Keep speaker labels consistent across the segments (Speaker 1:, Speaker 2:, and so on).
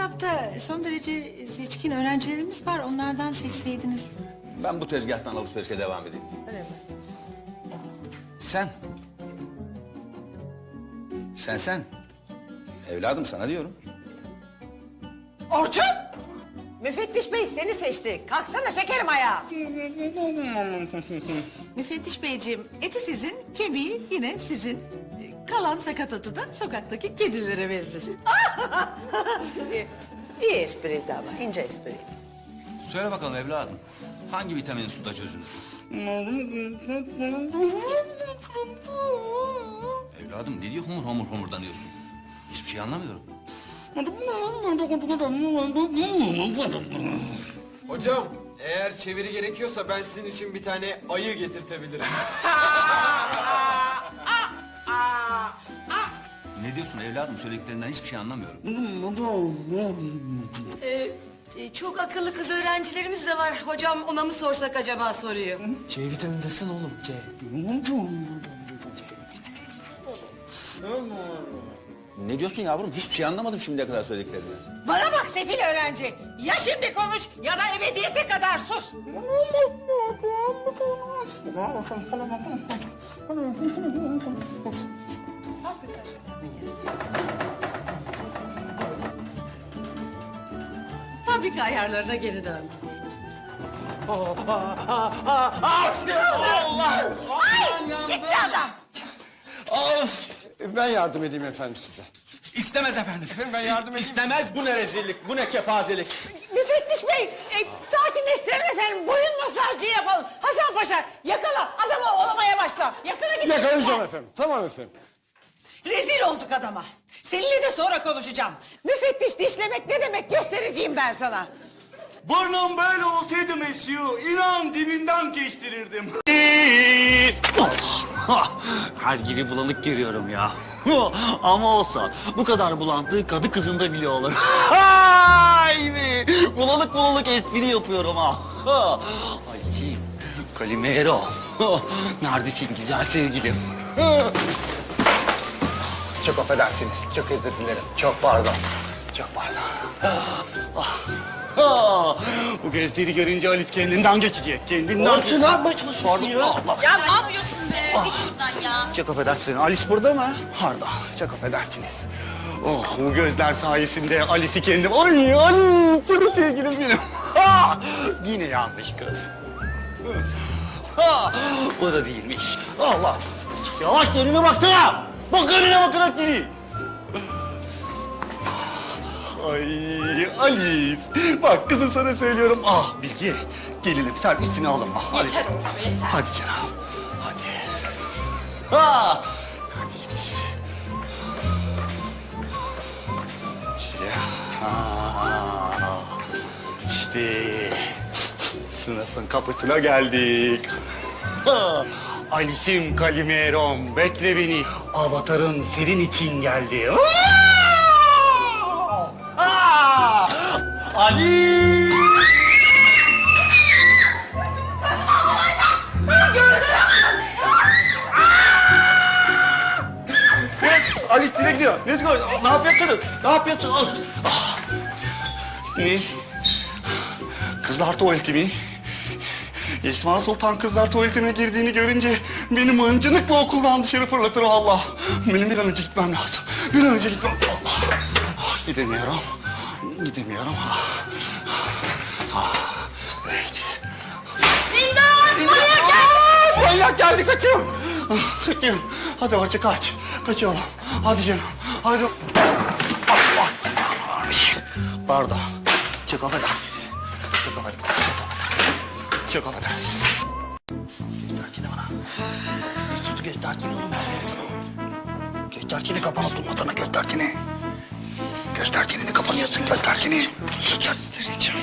Speaker 1: sınıfta son derece seçkin öğrencilerimiz var. Onlardan seçseydiniz.
Speaker 2: Ben bu tezgahtan alışverişe devam edeyim.
Speaker 1: Öyle mi?
Speaker 2: Sen. Sen. Evladım sana diyorum.
Speaker 3: Orçun! Müfettiş Bey seni seçti. Kalksana şekerim ayağa.
Speaker 1: Müfettiş Beyciğim, eti sizin, kemiği yine sizin. Kalan sakatatı da sokaktaki kedilere veririz.
Speaker 3: İyi espriydi ama, ince espri.
Speaker 2: Söyle bakalım evladım. Hangi vitamin suda çözülür? Evladım ne diyor homurdanıyorsun? Hiçbir şey anlamıyorum.
Speaker 4: Hocam, eğer çeviri gerekiyorsa ben sizin için bir tane ayı getirtebilirim.
Speaker 2: Ne diyorsun evladım? Söylediklerinden hiçbir şey anlamıyorum.
Speaker 5: Çok akıllı kız öğrencilerimiz de var. Hocam ona mı sorsak acaba soruyor.
Speaker 4: C vitamindesin oğlum, C.
Speaker 2: Ne diyorsun yavrum? Hiçbir şey anlamadım şimdiye kadar söylediklerinden.
Speaker 3: Bana bak sefil öğrenci. Ya şimdi konuş ya da ebediyete kadar sus.
Speaker 1: Fabrika ayarlarına geri döndüm.
Speaker 3: Gitti adam.
Speaker 6: Ben yardım edeyim efendim size.
Speaker 2: İstemez efendim.
Speaker 6: Ben yardım edeyim.
Speaker 2: İstemez. Bu ne rezillik, bu ne kepazelik.
Speaker 3: Müfettiş Bey, sakinleştirelim efendim. Boyun masajı yapalım. Hasan Paşa yakala adamı olamaya başla. Yakala git.
Speaker 6: Yakalayacağım efendim. Tamam efendim.
Speaker 3: Rezil olduk adama. Seninle de sonra konuşacağım. Müfettiş dişlemek ne demek göstereceğim ben sana.
Speaker 7: Burnum böyle olsaydı Mesyu, inan dibinden kestirirdim. Her gibi bulanık görüyorum ya. Ama olsa bu kadar bulantığı kadı kızında bile olur. Ay be! Bulanık espri yapıyorum ha. Ay Kalimero. Neredesin güzel sevgilim? Çok affedersiniz. Çok özür dilerim. Çok pardon. Çok pardon. Bu gözleri görünce Alice kendinden geçecek. Kendinden geçecek. Ne yapmaya çalışıyorsun ya? Allah.
Speaker 5: Ya ne yapıyorsun be? Git şuradan ya.
Speaker 7: Çok affedersiniz. Alice burada mı? Harda. Çok affedersiniz. Oh bu gözler sayesinde Alice'i kendim... Ay canım sevgilim benim. Ha! Yine yanlış kız. Ha! O da değilmiş. Allah. Yavaş önüne baksana. Bak önüne bakarak geliyor. Ay Alice. Bak kızım sana söylüyorum. Ah Bilge. Gelinim sen üstüne alınma. Hadi.
Speaker 5: Yeter oğlum yeter.
Speaker 7: Hadi canım. Hadi. Ha! Hadi gidiş. İşte sınıfın kapısına geldik. Ha! Alice'im Kalimerom bekle beni. Avatarın senin için geldi. Ha! Ali! Ali nereye gidiyor? Ne gidiyor? Ne yapıyorsun? Ne yapıyorsun? Ah. Ne? Kızlar tuvaleti mi? Esma Sultan kızlar tuvaletine girdiğini görünce beni mıncınıkla okuldan dışarı fırlatır Allah. Benim bir an önce gitmem lazım. Bir an önce gitmem. Gidemiyorum. Evet. Manyak geldi kaçıyorum. Kaçıyorum. Hadi Orçu kaç. Kaçıyorum. Hadi canım. Hadi. Allah. Pardon. Çok affedersiniz. Çok affedersiniz. Gösterkini bana. Sus gösterkini oğlum. Gösterkini kapalı durmasana gösterkini. Gösterkenini kapanıyorsun gösterkeni. Göstereceğim.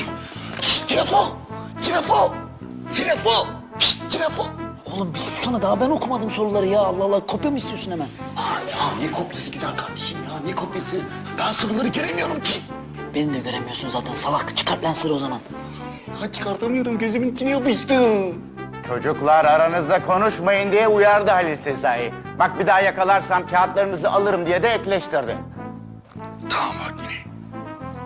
Speaker 7: Telefon.
Speaker 8: Oğlum bir susana daha ben okumadım soruları ya. Allah Allah kopya mı istiyorsun hemen?
Speaker 7: Ya ne kopyası gider kardeşim ya ne kopyası. Ben soruları göremiyorum ki.
Speaker 8: Beni de göremiyorsun zaten salak. Çıkart lensleri o zaman.
Speaker 7: Ha çıkartamıyorum gözümün içine yapıştı.
Speaker 9: Çocuklar aranızda konuşmayın diye uyardı Halil Sezai. Bak bir daha yakalarsam kağıtlarınızı alırım diye de ekleştirdi.
Speaker 7: Tamam Hakkini.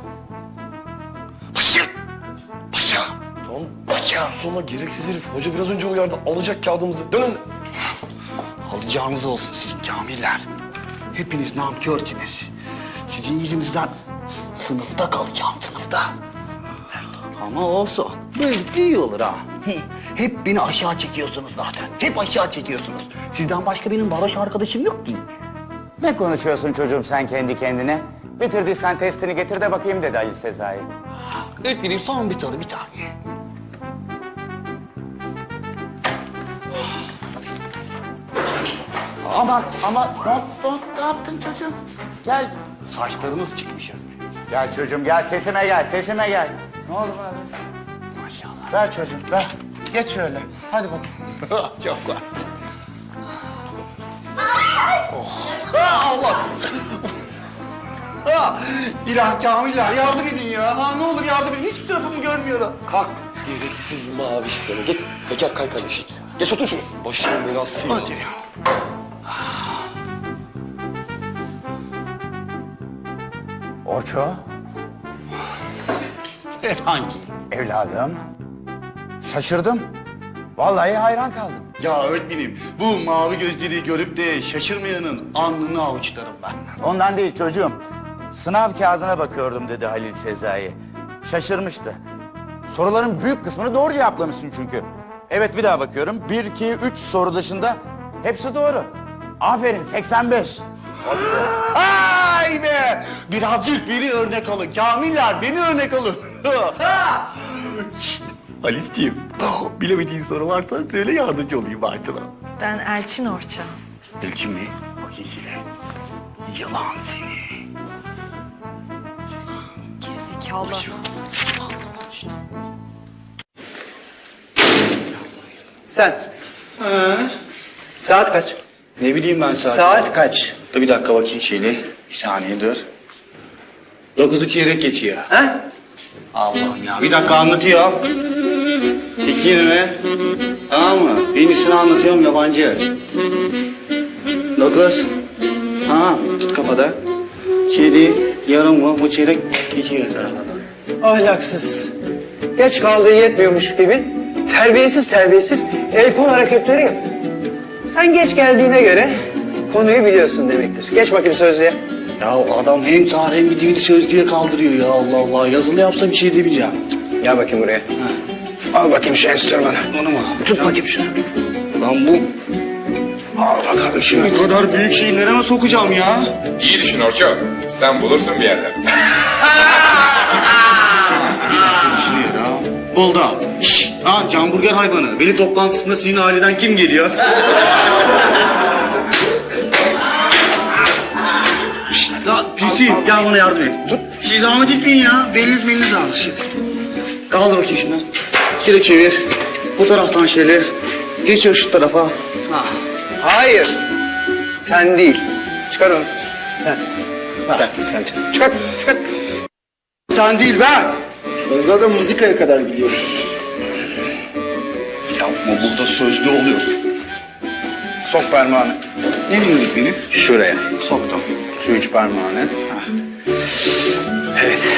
Speaker 7: Ya.
Speaker 10: Sonra gereksiz herif. Hoca biraz önce uyardı. Alacak kağıdımızı. Dönün.
Speaker 7: Alacağınız olsun siz kamiller. Hepiniz namkörsünüz. Sizin yüzünüzden sınıfta kalacağım sınıfta. Ama olsun. Böyle iyi olur ha. Hep beni aşağı çekiyorsunuz zaten. Hep aşağı çekiyorsunuz. Sizden başka benim varoş arkadaşım yok ki.
Speaker 9: Ne konuşuyorsun çocuğum sen kendi kendine? Bitirdiysen testini getir de bakayım dedi Ali Sezai.
Speaker 7: Öğretmenim son bir soru bir tane.
Speaker 9: Ama ne yaptın çocuğum? Gel.
Speaker 7: Saçlarınız çıkmış ya.
Speaker 9: Gel çocuğum gel sesime gel. Ne oldu abi?
Speaker 7: Maşallah.
Speaker 9: Ver çocuğum ver. Geç şöyle. Hadi bakalım.
Speaker 7: Çok var. Allah! İlah Kamiller yardım edin ya. Ha, ne olur yardım edin. Hiçbir tarafımı görmüyorum.
Speaker 10: Kalk. Gereksiz mavi seni. Geç. Bekar kalk kardeşim. Geç otur şuraya. Başımın belası.
Speaker 7: Hadi ya.
Speaker 9: Orço,
Speaker 7: Efendim?
Speaker 9: evladım. Şaşırdım. Vallahi hayran kaldım.
Speaker 7: Ya öğretmenim bu mavi gözleri görüp de şaşırmayanın alnını avuçlarım ben.
Speaker 9: Ondan değil çocuğum. Sınav kağıdına bakıyordum dedi Halil Sezai. Şaşırmıştı. Soruların büyük kısmını doğru cevaplamışsın çünkü. Evet bir daha bakıyorum. 1, 2, 3 soru dışında hepsi doğru. Aferin 85.
Speaker 7: Ay be! Birazcık beni örnek alın. Kamiller beni örnek alın. Şşt, Halisciğim, bilemediğin soru varsa söyle yardımcı olayım Bartın'a.
Speaker 5: Ben Elçin Orça.
Speaker 7: Elçin mi? Bakayım şöyle. Yalan seni.
Speaker 5: Gerizekalı.
Speaker 11: Sen. Saat kaç?
Speaker 7: Ne bileyim ben saat.
Speaker 11: Saat kaç?
Speaker 7: Dur bir dakika bakayım şöyle. Bir saniye dur. 9'u çeyrek geçiyor.
Speaker 11: Ha?
Speaker 7: Allah'ım ya. Bir dakika anlatıyor. 2:20. Tamam mı? Birincisini anlatıyorum yabancı. 9. Ha tut kafada. 7 yarım mı? Bu çeyrek geçiyor tarafa doğru.
Speaker 11: Ahlaksız. Geç kaldığı yetmiyormuş gibi terbiyesiz el kol hareketleri yap. Sen geç geldiğine göre konuyu biliyorsun demektir. Geç bakayım sözlüğe.
Speaker 7: Ya adam hem tarih hem bir dini sözlüğe kaldırıyor ya Allah Allah. Yazılı yapsa bir şey demeyeceğim.
Speaker 11: Gel bakayım buraya. Al bakayım şu enstrümanı.
Speaker 7: Onu mu?
Speaker 11: Tut bakayım şunu.
Speaker 7: Lan bu
Speaker 11: Al bakalım şunu.
Speaker 7: bu kadar büyük şeyi nereye sokacağım ya?
Speaker 12: İyi düşün Orço. Sen bulursun bir yerler.
Speaker 7: Düşünüyor ha. Buldum. Şşş. Ha hamburger hayvanı. Veli toplantısında sizin aileden kim geliyor? Şşt lan PC gel bana yardım et. Tut. Siz zahmet etmeyin ya. Beliniz ağrır şimdi. Kaldır bakayım şunu. Şöyle çevir. Bu taraftan şöyle. Geçir şu tarafa. Ha.
Speaker 11: Hayır. Sen değil. Çıkar onu. Sen. Sen çıkar. Çıkar.
Speaker 7: Sen değil ben.
Speaker 11: Ben zaten mızıkaya kadar biliyorum.
Speaker 7: Yapma burada sözlü oluyorsun.
Speaker 11: Sok parmağını.
Speaker 7: Ne diyorsun benim?
Speaker 11: Şuraya.
Speaker 7: Soktum.
Speaker 11: Şu üç parmağını. Evet.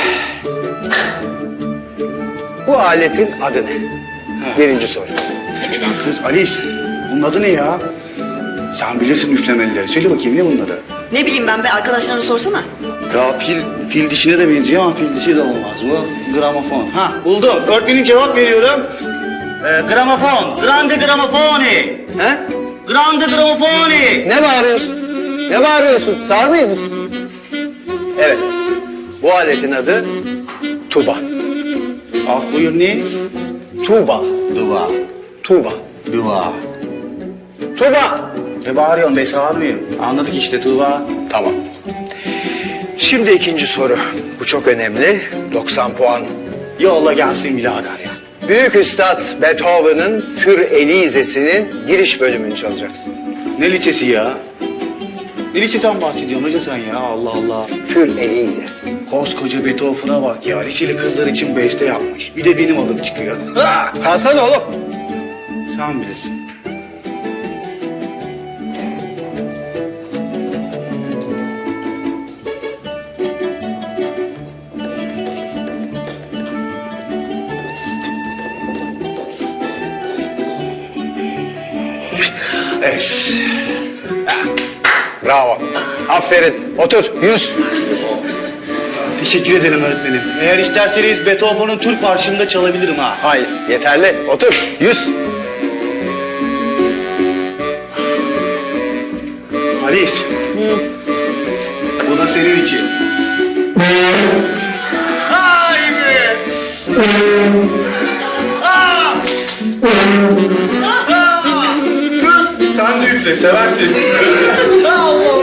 Speaker 11: Bu aletin adı ne? Birinci soru.
Speaker 7: Lan kız Alice, bunun adı ne ya? Sen bilirsin üflemelileri. Söyle bakayım ne bunun adı?
Speaker 5: Ne bileyim ben be, arkadaşlarına sorsana.
Speaker 7: Ya fil dişine de benziyor ama fil dişi de olmaz. Bu gramofon. Ha buldum. Öğretmenim cevap veriyorum. Gramofon. Grande gramofoni.
Speaker 11: He?
Speaker 7: Grande gramofoni.
Speaker 11: Ne bağırıyorsun? Ne bağırıyorsun? Sağır mıyız? Evet. Bu aletin adı tuba.
Speaker 7: Af buyur ne?
Speaker 11: Tuba.
Speaker 7: Duva.
Speaker 11: Tuba.
Speaker 7: Duva.
Speaker 11: Tuba.
Speaker 7: Ne bağırıyorsun be sağırmıyorum. Anladık işte Tuva.
Speaker 11: Tamam. Şimdi ikinci soru. Bu çok önemli. 90 puan.
Speaker 7: Yolla gelsin birader ya.
Speaker 11: Büyük Üstad Beethoven'ın Für Elise'sinin giriş bölümünü çalacaksın.
Speaker 7: Ne liçesi ya? Ne liçeden bahsediyorsun hoca sen ya Allah Allah.
Speaker 11: Für Elise.
Speaker 7: Koskoca Beethoven'a bak ya. Liçeli kızlar için beste yapmış. Bir de benim adım çıkıyor.
Speaker 11: Hasan oğlum.
Speaker 7: Sen bilirsin.
Speaker 11: Bravo. Aferin. Otur Yunus.
Speaker 7: Teşekkür ederim öğretmenim. Eğer isterseniz Beethoven'un Türk Marşı'nı da çalabilirim ha.
Speaker 11: Hayır yeterli. Otur. Yüz.
Speaker 7: Halis. Bu da senin için. Ay be! Kız sen de üfle seversin. Allah